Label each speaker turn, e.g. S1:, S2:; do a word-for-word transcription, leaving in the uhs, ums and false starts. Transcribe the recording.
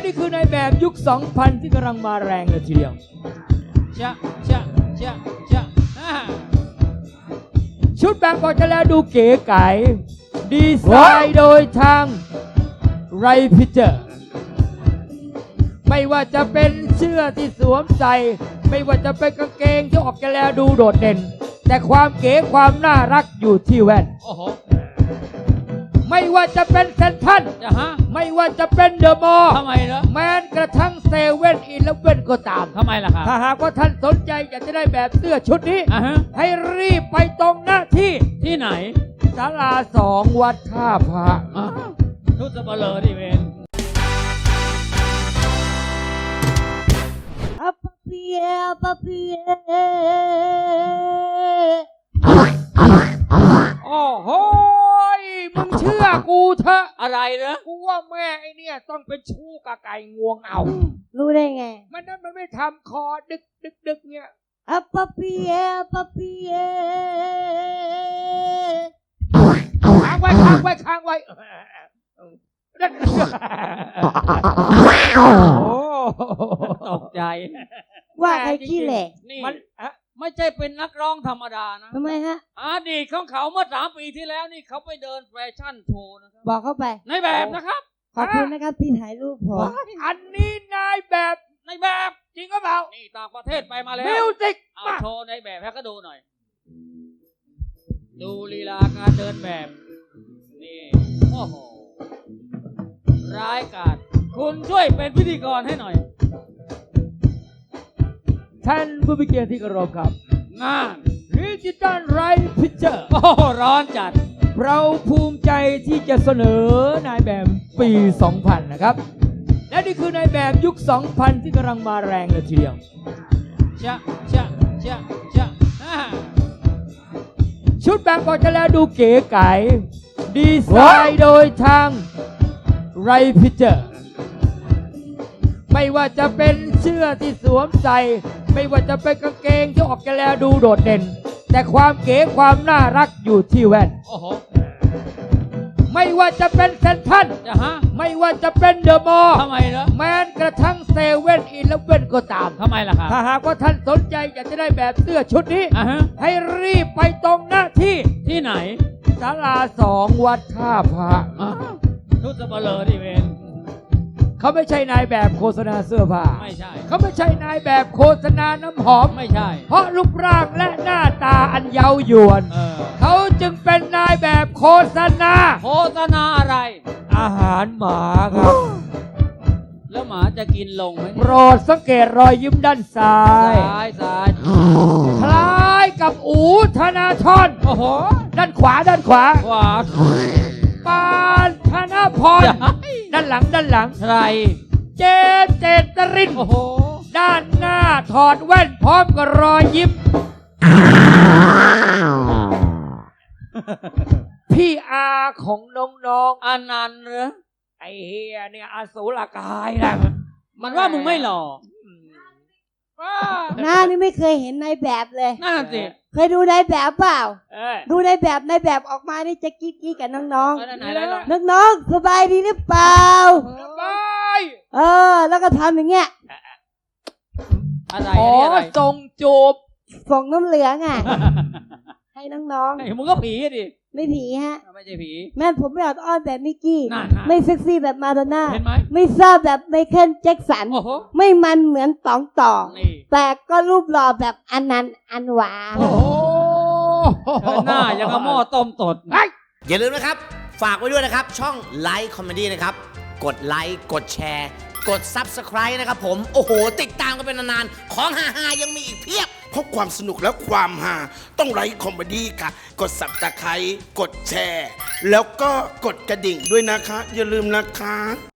S1: นี่คือในแบบยุค สองพัน ที่กำลังมาแรงเลยทีเดียวชะชะชะชะชุดแบบก็จะแล้วดูเก๋ไก๋ดีไซน์โดยทางไรพิเจอร์ไม่ว่าจะเป็นเสื้อที่สวมใส่ไม่ว่าจะเป็นกางเกงที่ออกจะแล้วดูโดดเด่นแต่ความเก๋ความน่ารักอยู่ที่แว่นโอ้โหไม่ว่าจะเป็นเซนทรัลไม่ว่าจะเป็นเดอะมอลล์ทำไมเหรอแม้กระทั่งเซเว่นอีเลฟเว่นก็ตามทำไมล่ะครับถ้าหากว่าท่านสนใจอยากจะได้แบบเสื้อชุดนี้ให้รีบไปตรงหน้าที่ที่ไหนศาลาสองวัดท่าพระชุดสเปเลอที่เวน
S2: อัปเปียอัปเปีย
S1: โอ้โหมึงเชื่อกูเถอะอะไรเนอะกูว่าแม่ไอเนี่ยต้องเป็นชู้กับไก่งวงเอา
S2: รู้ได้ไง
S1: มันนั้นมันไม่ทำคอดึกดึกดึกเนี่ย
S2: อัปเปียอัปเปีย
S1: ค้างไว้ค้างไว้ค้างไว้โอ้ตกใจ
S2: ว่าใครขี้เหร่
S1: มันไม่ใช่เป็นนักร้องธรรมดานะ
S2: ทำไมฮะ
S1: อดีตของเขาเมื่อสามปีที่แล้วนี่เขาไปเดินแฟชั่นโชว์นะครับ
S2: บอกเข้าไป
S1: ในแบบนะครับ
S2: ขอบคุณนะครับที่ถ่ายรูปผม
S1: อันนี้นายแบบในแบบจริงก็เปล่านี่ต่างประเทศไปมาแล้วมิวสิกเอาโชว์ในแบบให้เขาดูหน่อยดูลีลาการเดินแบบนี่โอ้โหร้ายกาจคุณช่วยเป็นพิธีกรให้หน่อยท่านผู้มีเกียรติที่เคารพครับงานดิจิตอลไรพิเจอร์โอ้ร้อนจัดเราภูมิใจที่จะเสนอนายแบบปี สองพัน นะครับและนี่คือนายแบบยุค สองพัน ที่กำลังมาแรงเลยทีเดียวชะชะชะชะชุดแบบก็จะแล้วดูเก๋ไก๋ดีไซน์โดยทางไรพิเจอร์ไม่ว่าจะเป็นเสื้อที่สวมใส่ไม่ว่าจะเป็นกางเกงที่ออกจะแล้วดูโดดเด่นแต่ความเก๋ความน่ารักอยู่ที่แว่นโอ้โหไม่ว่าจะเป็นเซนทรัลไม่ว่าจะเป็นเดอะมอลล์ทำไมเหรอแม้กระทั่งเซเว่นอีเลฟเว่นก็ตามทำไมล่ะครับถ้าหากว่าท่านสนใจอยากจะได้แบบเสื้อชุดนี้ให้รีบไปตรงหน้าที่ที่ไหนศาลาสองวัดท่าพระชุดสเปเลอที่เวนเขาไม่ใช่นายแบบโฆษณาเสื้อผ้าไม่ใช่เขาไม่ใช่นายแบบโฆษณาน้ำหอมไม่ใช่เพราะรูปร่างและหน้าตาอันเย้ายวนเออเขาจึงเป็นนายแบบโฆษณาโฆษณาอะไรอาหารหมาครับแล้วหมาจะกินลงไหมโปรดสังเกตรอยยิ้มด้านซ้ายซ้ายซ้ายคล้ายกับอูธนาธรโอ้โหด้านขวาด้านขวาขวาปานธนพรด้านหลังด้านหลังใครเจเจตรินโอ้โหด้านหน้าถอดแว่นพร้อมกับรอยยิ้มพี่อาของน้องๆอนันต์เหรอไอเฮียเนี่ยอสูรกายนะมันว่ามึงไม่หล่อ
S2: หน้านี่ไม่เคยเห็นในแบบเลย
S1: นั่นสิ
S2: เคยดูในแบบเปล่าดูในแบบในแบบออกมานี่จะกิ๊กกิ๊กกับน้องๆน้องๆสบายดีหรือเปล่า
S1: สบาย
S2: เออแล้วก็ทำอย่างเงี้ย
S1: อะไรอะไรส่งจูบ
S2: ส่งน้ำเหลืองอ่ะให้น้อง
S1: ๆมึงก็ผีดิ
S2: ไม่ผีฮะ
S1: ไม่ใช่ผี
S2: แม่ผมไม่อดอ้อนแบบมิกกี้ไม่เซ็กซี่แบบมาดอนน่า
S1: ไม่
S2: ซ่าแบบไมเคิลแจ็คสันไม่มันเหมือนตองต่อแต่ก็รูปหล่อแบบอนันต์อันหวา
S1: โอ้หน้ายังกระหม้อต้มตด
S3: อย่าลืมนะครับฝากไว้ด้วยนะครับช่องไลค์คอมเมดี้นะครับกดไลค์กดแชร์กด ซับสไครบ์ นะครับผมโอ้โหติดตามกันเป็นนานๆของฮาๆยังมีอีกเพียบ
S4: เพราะความสนุกและความฮาต้องไลค์คอมเมดี้ค่ะกด ซับสไครบ์ กดแชร์แล้วก็กดกระดิ่งด้วยนะคะอย่าลืมนะคะ